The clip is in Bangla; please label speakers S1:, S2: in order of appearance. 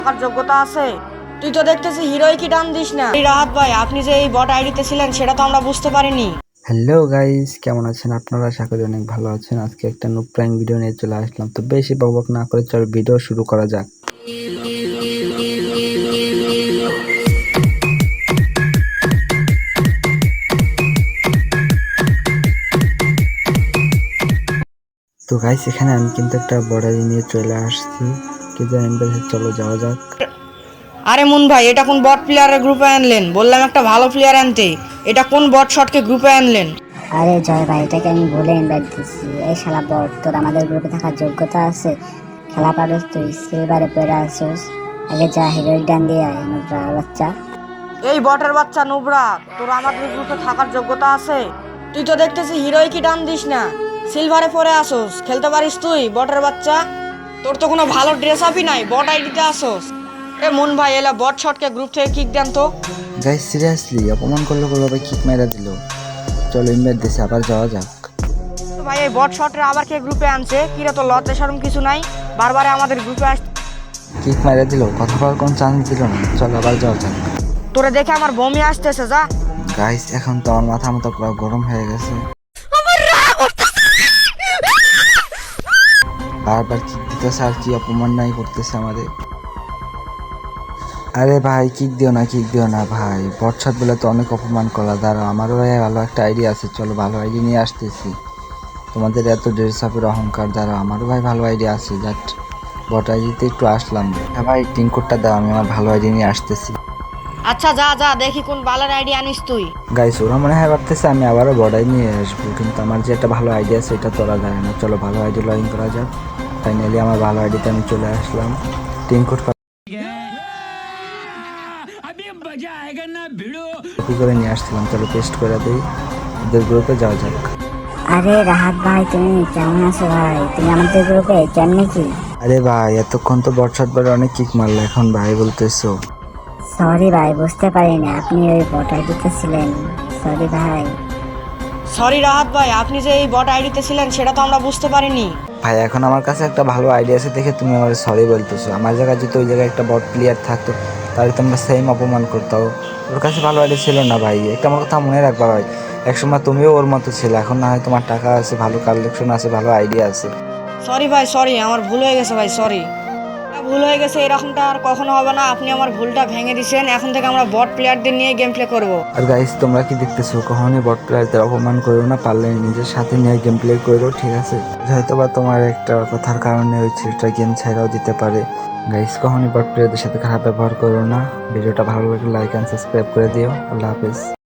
S1: থাকার যোগ্যতা আছে? তুই তো দেখতেছি হিরোই কি ডান দিস না। এই রাহাত ভাই, আপনি যে এই বট আইডিতে ছিলেন সেটা তো আমরা বুঝতে পারিনি।
S2: হ্যালো গাইস, কেমন আছেন আপনারা? আশা করি অনেক ভালো আছেন। আজকে একটা নুব প্র্যাঙ্ক ভিডিও নিয়ে চলে আসলাম। তো বেশি বকবক না করে চল ভিডিও শুরু করা যাক। তো গাইস, এখানে আমি কিন্তু একটা বর্ডার নিয়ে চলে আসছি। কিন্তু চলো যাওয়া যাক।
S1: আরে মুন ভাই, এটা কোন বট প্লেয়ারের গ্রুপে আনলেন? বললাম একটা ভালো প্লেয়ার আনতে, এটা কোন বট শটকে গ্রুপে আনলেন?
S3: আরে জয় ভাই, এটাকে আমি বলে ইনভাইট দিচ্ছি। এই শালা বট, তোর আমাদের গ্রুপে থাকার যোগ্যতা আছে? খেলা পারস তুই? সিলভারে পড়ে আসছিস। আগে যা হিরোইক ডান দিয়ে আয় নোবরা বাচ্চা।
S1: এই বটের বাচ্চা নুবরা, তোর আমাদের গ্রুপে থাকার যোগ্যতা আছে? তুই তো দেখতেছি হিরোই কি ডান দিস না, সিলভারে পরে আসোস। খেলতে পারিস তুই বটের বাচ্চা? তোর তো কোনো ভালো ড্রেস আপই নাই, বট আইডিতে আসোস। এ মুন ভাই, এলা বট শটকে গ্রুপ থেকে কিক দেন তো।
S2: গাইস সিরিয়াসলি অপমান করলো ভাই, কিক মেরা দিল। চলো ইনভাইট দিছে, আবার যাওয়া যাক।
S1: তো ভাই, এই বট শটরে আবার কে গ্রুপে আনছে? কিরে, তো লজ্জা শরম কিছু নাই? বারবার আমাদের গ্রুপে আস।
S2: কিক মেরা দিল, কথা বলার কোনো চান্স দিল না। চলো আবার যাওয়া যাক।
S1: তোরে দেখে আমার বমি আসতেছে, যা।
S2: গাইস এখন তো আমার মাথা মতো পুরো গরম হয়ে গেছে। বারবার কিক দিতেছে আর কি অপমান নাই করতেছে আমাদের। আরে ভাই কিক দিও না, কিক দিও না ভাই। বটসাত বলে তো অনেক অপমান করা। দাঁড়াও, আমারও ভাই ভালো একটা আইডিয়া আছে। চলো ভালো আইডিয়া নিয়ে আসতেছি। তোমাদের এত ড্রেস আপের অহংকার, দাঁড়াও আমারও ভাই ভালো আইডিয়া আছে। জাস্ট বট আইডিতে একটু আসলাম। হ্যাঁ ভাই, টিম কোডটা দাও, আমি আমার ভালো আইডিয়া নিয়ে আসতেছি।
S1: আচ্ছা, যা যা, দেখি কোন বালার আইডিয়া আনিস তুই।
S2: গাইস ওরা মনে হয় ভাবতেছে আমি আবারও বড়াই নিয়ে আসবো, কিন্তু আমার যে একটা ভালো আইডিয়া আছে এটা তোরা জানে না। চলো ভালো আইডিয়া লগ ইন করা যাক। ফাইনালি আমার ভালো আইডিতে আমি চলে আসলাম। টিম কোড কপি করে নিয়ে আসছিলাম। চলো পেস্ট করে দিই, ওদের গ্রুপে যাওয়া যাক।
S3: আরে রাহাত ভাই, তুমি কেমন আছো ভাই? তুমি আমাদের গ্রুপে কেমনে কি?
S2: আরে ভাই এতক্ষণ তো বটশট বলে অনেক কিক মারলো, এখন ভাই বলতেছো?
S3: সরি ভাই, বুঝতে পারিনি আপনি ওই বট আইডিতে ছিলেন। সরি ভাই।
S1: সরি রাহাত ভাই, আপনি যে এই বট আইডিতে ছিলেন সেটা তো আমরা বুঝতে পারিনি।
S2: ভাই এখন আমার কাছে একটা ভালো আইডিয়া আছে দেখে তুমি আমার সরি বলতেছো। আমার জায়গায় যদি ওই জায়গায় একটা বট প্লেয়ার থাকতো তাহলে তোমরা সেম অপমান করতাও। ওর কাছে ভালো আইডিয়া ছিল না ভাই। একটা আমার কথা মনে রাখবা ভাই, একসময় তুমিও ওর মতো ছিলে। এখন না হয় তোমার টাকা আছে, ভালো কালেকশন আছে, ভালো আইডিয়া আছে।
S1: সরি ভাই, সরি, আমার ভুল হয়ে গেছে ভাই, সরি। ভুল হয়ে গেছে, এরকমটা আর কখনো হবে না। আপনি আমার ভুলটা ভেঙে দিয়েছেন। এখন থেকে আমরা বট প্লেয়ারদের নিয়ে গেম প্লে করবো।
S2: আর গাইস তোমরা কি দেখতেছো, কখনোই বট প্লেয়ারদের অপমান করো না। পারলে নিজের সাথে নিয়ে গেম প্লে করো, ঠিক আছে? হয়তো বা তোমার একটা কথার কারণে ওই ছেলেটা গেম ছাইড়াও দিতে পারে। গাইস কখনোই বট প্লেয়ারদের সাথে খারাপ ব্যবহার করো না। ভিডিওটা ভালো লাগলে লাইক এন্ড সাবস্ক্রাইব করে দিও। আল্লাহ হাফেজ।